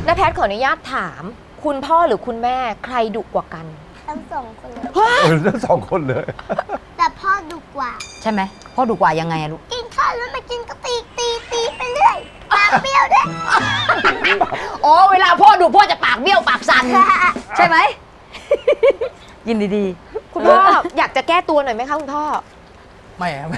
น้าแพทขออนุญาตถาม คุณพ่อหรือคุณแม่ใครดุกว่ากันทั้งสองคนเลยทั้งสองคนเลยแต่พ่อดุกว่าใช่ไหมพ่อดุกว่ายังไงอะลูกกินข้าวแล้วไม่กินก็ตีไปเรื่อยปากเบี้ยวด้วยอ๋อเวลาพ่อดุพ่อจะปากเบี้ยวปากสั่นใช่ไหม ยินดีคุณพ่ออยากจะแก้ตัวหน่อยไหมคะคุณพ่อไม่ไม่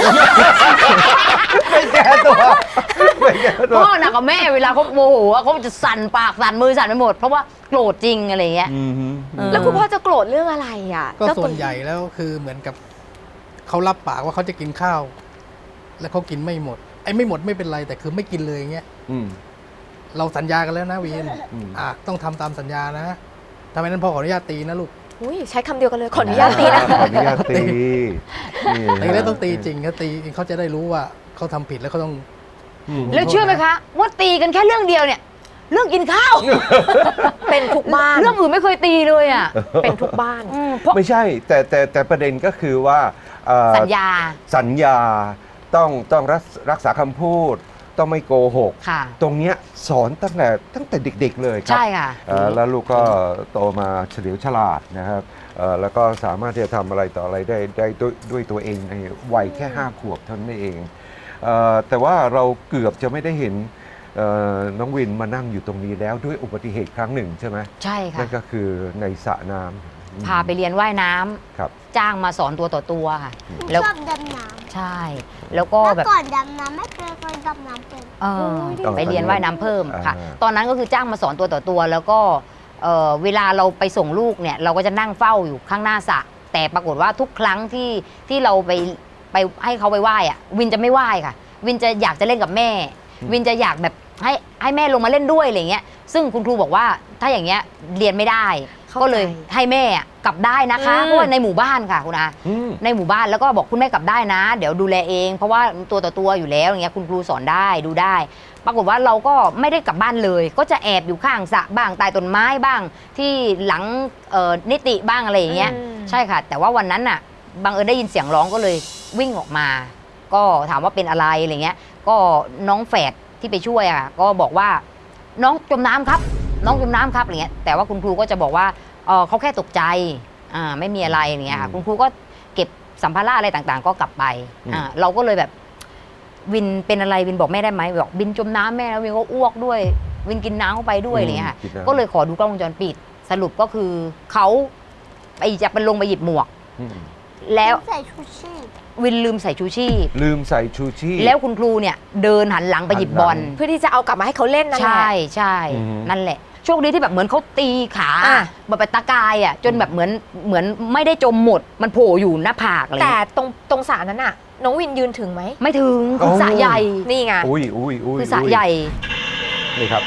ไม่แก้ตัวไม่แก้ตัวพ่อหนักกว่าแม่เวลาเขาโมโหอะเขาจะสั่นปากสั่นมือสั่นไปหมดเพราะว่าโกรธจริงอะไรอย่างเงี้ยแล้วคุณพ่อจะโกรธเรื่องอะไรอ่ะก็เจ้าส่วนใหญ่แล้วคือเหมือนกับเขารับปากว่าเขาจะกินข้าว แล้วเขากินไม่หมดไอ้ไม่หมดไม่เป็นไรแต่คือไม่กินเลยอย่างเงี้ยอืมเราสัญญากันแล้วนะวีนอืมต้องทำตามสัญญานะทำไมนั้นพ่อขออนุญาตตีนะลูกอุ้ยใช้คำเดียวกันเลยขออนุญาตตีนะขออนุญาตตีนี่ตีแล้วต้องตีจริงเขาตีเขาจะได้รู้ว่าเขาทำผิดแล้วเขาต้องแล้วเชื่อไหมคะว่าตีกันแค่เรื่องเดียวเนี่ย เรื่องกินข้าวเป็นทุกบ้านเรื่องอื่นไม่เคยตีเลยอ่ะเป็นทุกบ้านเพราะไม่ใช่แต่ประเด็นก็คือว่าสัญญาสัญญาต้องรักษาคำพูด ต้องไม่โกหกค่ะตรงเนี้ยสอนตั้งแต่เด็กๆเลยครับใช่ค่ะแล้วลูกก็โตมาเฉลียวฉลาดนะครับแล้วก็สามารถที่จะทำอะไรต่ออะไรได้ด้วยตัวเองในวัยแค่5 ขวบเท่านั้นเองแต่ว่าเราเกือบจะไม่ได้เห็นน้องวินมานั่งอยู่ตรงนี้แล้วด้วยอุบัติเหตุครั้งหนึ่งใช่ไหมใช่ค่ะนั่นก็คือในสระน้ำพาไปเรียนว่ายน้ำครับจ้างมาสอนตัวต่อตัวค่ะหนูแล้วชอบดำน้ใช่ แล้วก็ำแบบเมื่อก่อนดำน้ำไม่เคยดำน้ำเป็นเออไปเรียนว่ายน้ำเพิ่มค่ะอ่าตอนนั้นก็คือจ้างมาสอนตัวต่อตัว แล้วก็เวลาเราไปส่งลูกเนี่ย เราก็จะนั่งเฝ้าอยู่ข้างหน้าสระแต่ปรากฏว่าทุกครั้งที่เราไปให้เขาไปไหว้อะวินจะไม่ไหว้ค่ะ วินจะอยากจะเล่นกับแม่ วินจะอยากแบบให้แม่ลงมาเล่นด้วยอะไรเงี้ยซึ่งคุณครูบอกว่าถ้าอย่างเงี้ยเรียนไม่ได้เข้าใจก็เลยให้แม่อะกลับได้นะคะอืมเพราะว่าในหมู่บ้านค่ะคุณอาอืมในหมู่บ้านแล้วก็บอกคุณแม่กลับได้นะ เดี๋ยวดูแลเอง เพราะว่าตัวต่อตัวอยู่แล้วอย่างเงี้ยคุณครูสอนได้ดูได้ ปรากฏว่าเราก็ไม่ได้กลับบ้านเลย ก็จะแอบอยู่ข้างสระบ้างใต้ต้นไม้บ้าง ที่หลังนิติบ้างอะไรอย่างเงี้ย ใช่ค่ะ แต่ว่าวันนั้นน่ะบังเอิญได้ยินเสียงร้องก็เลยวิ่งออกมา ก็ถามว่าเป็นอะไรอะไรเงี้ย ก็น้องแฝดที่ไปช่วยอะก็บอกว่าน้องจมน้ำครับ น้องจมน้ำครับอะไรเงี้ยแต่ว่าคุณครูก็จะบอกว่าเขาแค่ตกใจไม่มีอะไรอย่างเงี้ยค่ะคุณครูก็เก็บสัมภาระอะไรต่างๆ ก็กลับไปเราก็เลยแบบวินเป็นอะไรวินบอกแม่ได้ไหมบอกวินจมน้ำแม่แล้ววินก็อ้วกด้วย วินกินน้ำเข้าไปด้วยอะไรเงี้ยค่ะกินน้ำก็เลยขอดูกล้องวงจรปิด สรุปก็คือเขาไปจะไปลงไปหยิบหมวกอืมแล้วใส่ชูชีพวินลืมใส่ชูชีพลืมใส่ชูชีพแล้วคุณครูเนี่ยเดินหันหลังไปหยิบบอลเพื่อที่จะเอากลับมาให้เขาเล่นนั่นแหละใช่ใช่อือฮึนั่นแหละโชคดีที่แบบเหมือนเขาตีขาอ่ะแบบไปตะกายอ่ะจนแบบเหมือนไม่ได้จมหมด มันโผล่อยู่หน้าผากอะไรแต่เงี้ยตรงสระนั้นน่ะ น้องวินยืนถึงไหมไม่ถึงคือสระใหญ่นี่ไงอุ้ยคือสระใหญ่นี่ครับ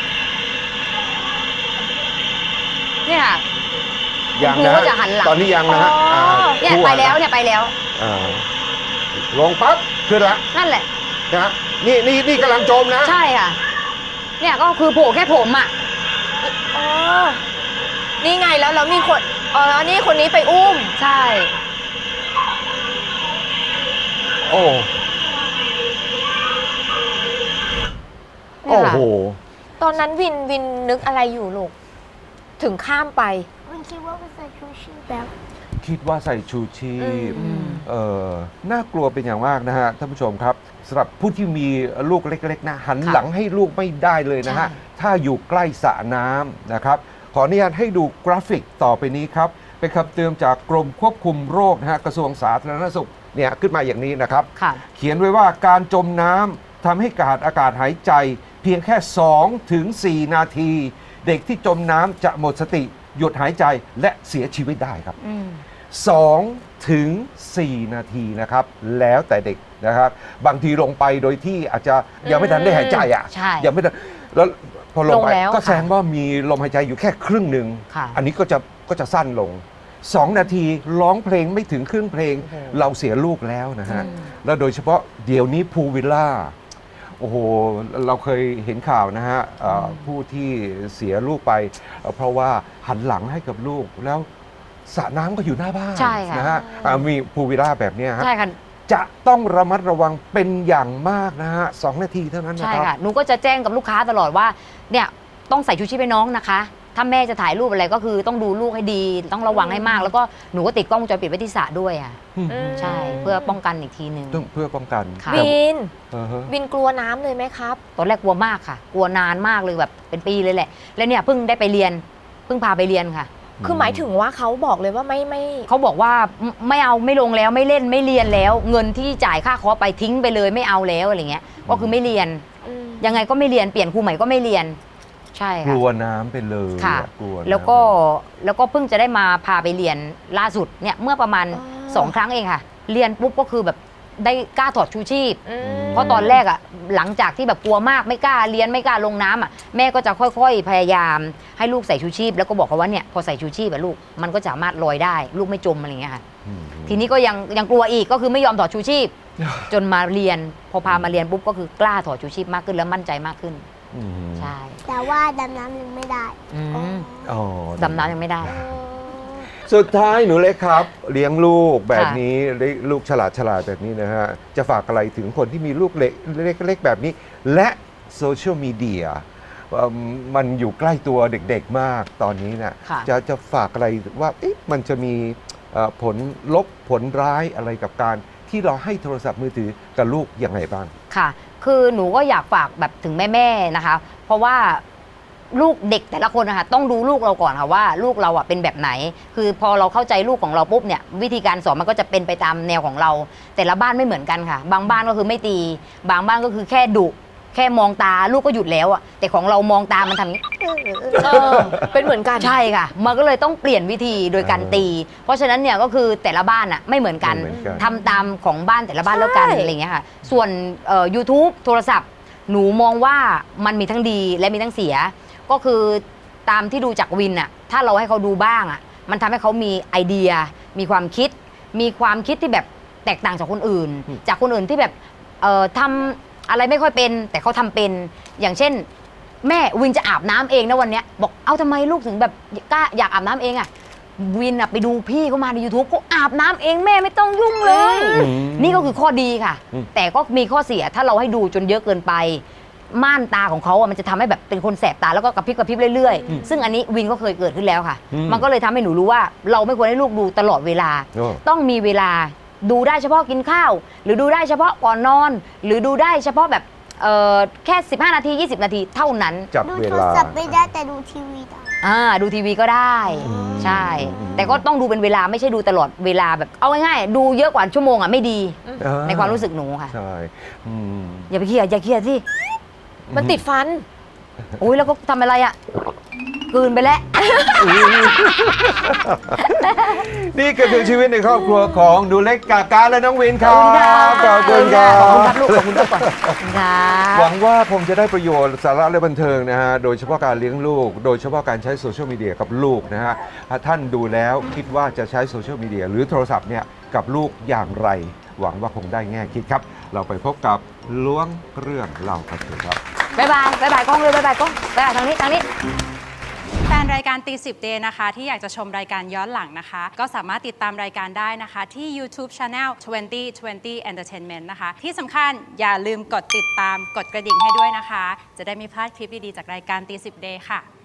เนี่ยค่ะยังคุณครูนะก็จะหันหลังตอนนี้ยังนะฮะอ๋อเนี่ยคู่ไปหัแล้วนะเนี่ยไปแล้วอ่าลงปั๊บขึ้นละนั่นแหละนะนี่กำลังจมนะใช่ค่ะ เนี่ยก็คือโผล่แค่ผมอ่ะอ๋อ นี่ไงแล้วมีคน อ๋อ นี่คนนี้ไปอุ้มใช่โอ้เนี่โอ้ยค่ะโหตอนนั้นวินนึกอะไรอยู่ลูก ถึงข้ามไปมันคิดว่ามันใส่ชูชีพแล้วคิดว่าใส่ชูชีพอืมน่ากลัวเป็นอย่างมากนะฮะท่านผู้ชมครับสำหรับผู้ที่มีลูกเล็กๆนะหันค่ะหลังให้ลูกไม่ได้เลยนะฮะใช่ถ้าอยู่ใกล้สระน้ำนะครับ ขออนุญาตให้ดูกราฟิกต่อไปนี้ครับ เป็นคำเตือนจากกรมควบคุมโรคนะฮะกระทรวงสาธารณสุขเนี่ยขึ้นมาอย่างนี้นะครับค่ะเขียนไว้ว่าการจมน้ำทำให้ขาดอากาศหายใจ เพียงแค่ 2 ถึง 4 นาที เด็กที่จมน้ำจะหมดสติ หยุดหายใจและเสียชีวิตได้ครับอืม 2 ถึง 4 นาทีนะครับ แล้วแต่เด็กนะครับ บางทีลงไปโดยที่อาจจะยังไม่ทันได้หายใจอ่ะใช่ยังไม่ทันแล้วพอลงไปลงแล้วก็แสดงว่ามีลมหายใจอยู่แค่ครึ่งหนึ่งค่ะอันนี้ก็จะสั้นลง 2 นาทีร้องเพลงไม่ถึงครึ่งเพลงโอ้โหเราเสียลูกแล้วนะฮะอืมแล้วโดยเฉพาะเดี๋ยวนี้พูลวิลล่าโอ้โห เราเคยเห็นข่าวนะฮะผู้ที่เสียลูกไปเพราะว่าหันหลังให้กับลูกแล้วสระน้ำก็อยู่หน้าบ้านใช่ค่ะนะฮะมีพูลวิลล่าแบบเนี้ยฮะใช่ค่ะจะต้องระมัดระวังเป็นอย่างมากนะฮะ2 นาทีเท่านั้นนะใช่ครับค่ะ หนูก็จะแจ้งกับลูกค้าตลอดว่า เนี่ยต้องใส่ชูชีพให้น้องนะคะ ถ้าแม่จะถ่ายรูปอะไรก็คือต้องดูลูกให้ดี ต้องระวังให้มาก แล้วก็หนูก็ติดกล้องวงจรปิดไว้ที่สระด้วยอ่ะอืมใช่เพื่อป้องกันอีกทีหนึ่งต้องเพื่อป้องกันค่ะแต่วินอ่าฮะวินกลัวน้ำเลยไหมครับตอนแรกกลัวมากค่ะ กลัวนานมากเลยแบบเป็นปีเลยแหละ แล้วเนี่ยเพิ่งได้ไปเรียนเพิ่งพาไปเรียนค่ะคือหมายถึงว่าเขาบอกเลยว่าไม่เขาบอกว่าไม่เอาไม่ลงแล้วไม่เล่นไม่เรียนแล้ว เงินที่จ่ายค่าคอร์สไปทิ้งไปเลยไม่เอาแล้วอะไรเงี้ยก็คือไม่เรียนอืมยังไงก็ไม่เรียนเปลี่ยนครูใหม่ก็ไม่เรียนใช่กค่ะลัวน้ำไปเลยค่ะกลัวน้ำแล้วก็เพิ่งจะได้มาพาไปเรียนล่าสุดเนี่ยเมื่อประมาณ 2 ครั้งเองค่ะ เรียนปุ๊บก็คือแบบได้กล้าถอดชูชีพอืมเพราะตอนแรกอ่ะหลังจากที่แบบกลัวมากไม่กล้าเรียนไม่กล้าลงน้ำอ่ะแม่ก็จะค่อยๆ พยายามให้ลูกใส่ชูชีพ แล้วก็บอกเขาว่าเนี่ยพอใส่ชูชีพอะลูกมันก็สามารถลอยได้ ลูกไม่จมอะไรอย่างเงี้ยค่ะอืมทีนี้ก็ยังกลัวอีกก็คือไม่ยอมถอดชูชีพ จนมาเรียนพอพามาเรียนปุ๊บก็คือกล้าถอดชูชีพมากขึ้นแล้วมั่นใจมากขึ้นอืมใช่แต่ว่าดำน้ำยังไม่ได้อืมอ๋อดำน้ำยังไม่ได้สุดท้ายหนูเล็กครับ เลี้ยงลูกแบบค่ะนี้ลูกฉลาดแบบนี้นะฮะ จะฝากอะไรถึงคนที่มีลูกเล็กแบบนี้ และโซเชียลมีเดียมันอยู่ใกล้ตัวเด็กๆมากตอนนี้นะค่ะจะฝากอะไรว่าเอ๊ะมันจะมีผลลบผลร้ายอะไรกับการที่เราให้โทรศัพท์มือถือกับลูกยังไงบ้างค่ะ คือหนูก็อยากฝากแบบถึงแม่ๆนะคะ เพราะว่าลูกเด็กแต่ละคนนะคะต้องดูลูกเราก่อนค่ะว่าลูกเราอ่ะเป็นแบบไหน คือพอเราเข้าใจลูกของเราปุ๊บเนี่ยวิธีการสอนมันก็จะเป็นไปตามแนวของเรา แต่ละบ้านไม่เหมือนกันค่ะ บางบ้านก็คือไม่ตี บางบ้านก็คือแค่ดุแค่มองตาลูกก็หยุดแล้วอ่ะแต่ของเรามองตามันทำอย่างนี้เออเป็นเหมือนกันใช่ค่ะ มันก็เลยต้องเปลี่ยนวิธีโดยการตี เพราะฉะนั้นเนี่ยก็คือแต่ละบ้านอ่ะไม่เหมือนกันไม่เหมือนกันทำตามของบ้านแต่ละบ้านแล้วกันใช่อะไรอย่างเงี้ยค่ะ ส่วนYouTube โทรศัพท์ หนูมองว่ามันมีทั้งดีและมีทั้งเสีย ก็คือตามที่ดูจากวินอ่ะ ถ้าเราให้เขาดูบ้างอ่ะ มันทำให้เขามีไอเดีย มีความคิดที่แบบแตกต่างจากคนอื่น จากคนอื่นที่แบบทำอะไรไม่ค่อยเป็น แต่เขาทำเป็น อย่างเช่น แม่วินจะอาบน้ำเองนะวันเนี้ยบอกเอาทำไมลูกถึงแบบกล้าอยากอาบน้ำเองอ่ะวินอ่ะไปดูพี่เขามาใน YouTube เขาอาบน้ำเองแม่ไม่ต้องยุ่งเลย นี่ก็คือข้อดีค่ะ แต่ก็มีข้อเสียถ้าเราให้ดูจนเยอะเกินไป ม่านตาของเขาอ่ะมันจะทำให้แบบเป็นคนแสบตาแล้วก็กระพริบเรื่อยๆ ซึ่งอันนี้วินก็เคยเกิดขึ้นแล้วค่ะ มันก็เลยทำให้หนูรู้ว่าเราไม่ควรให้ลูกดูตลอดเวลาโอ้ต้องมีเวลาดูได้เฉพาะกินข้าว หรือดูได้เฉพาะก่อนนอน หรือดูได้เฉพาะแบบแค่15 นาที 20 นาทีเท่านั้นจับดูเวโทรลาศัพท์ไม่ได้แต่ดูทีวีได้ดูทีวีก็ได้ ใช่ แต่ก็ต้องดูเป็นเวลาไม่ใช่ดูตลอดเวลาแบบเอาง่ายๆดูเยอะกว่าชั่วโมงอ่ะไม่ดี ในความรู้สึกหนูค่ะใช่อืมอย่าไปเครียดอย่าเครียดสิมันติดฟันอุ้ยแล้วก็ทำอะไรอ่ะกลืนไปแล้วนี่ก็คือชีวิตในครอบครัวของหนูเล็กกาการและน้องวินครับขอบคุณครัขอบคุณครับ บลูกขอบคุณครับก่อนขอบคุณครัหวับงว่าคงจะได้ประโยชน์สาระและบันเทิงนะฮะ โดยเฉพาะการเลี้ยงลูก โดยเฉพาะการใช้โซเชียลมีเดียกับลูกนะฮะถ้าท่านดูแล้วคิดว่าจะใช้โซเชียลมีเดียหรือโทรศัพท์เนี่ยกับลูกอย่างไร หวังว่าคงได้แง่คิดครับ เราไปพบกับล้วงเรื่องเล่ากันเถอะครับบ๊ายบายกล้องเลยบ๊ายบายกล้องบ๊ายบายทางนี้แฟนรายการตีสิบเดย์นะคะที่อยากจะชมรายการย้อนหลังนะคะ ก็สามารถติดตามรายการได้นะคะที่ YouTube Channel 2020 Entertainment นะคะ ที่สำคัญอย่าลืมกดติดตามกดกระดิ่งให้ด้วยนะคะ จะได้ไม่พลาดคลิปดี ๆ จากรายการตีสิบเดย์ค่ะ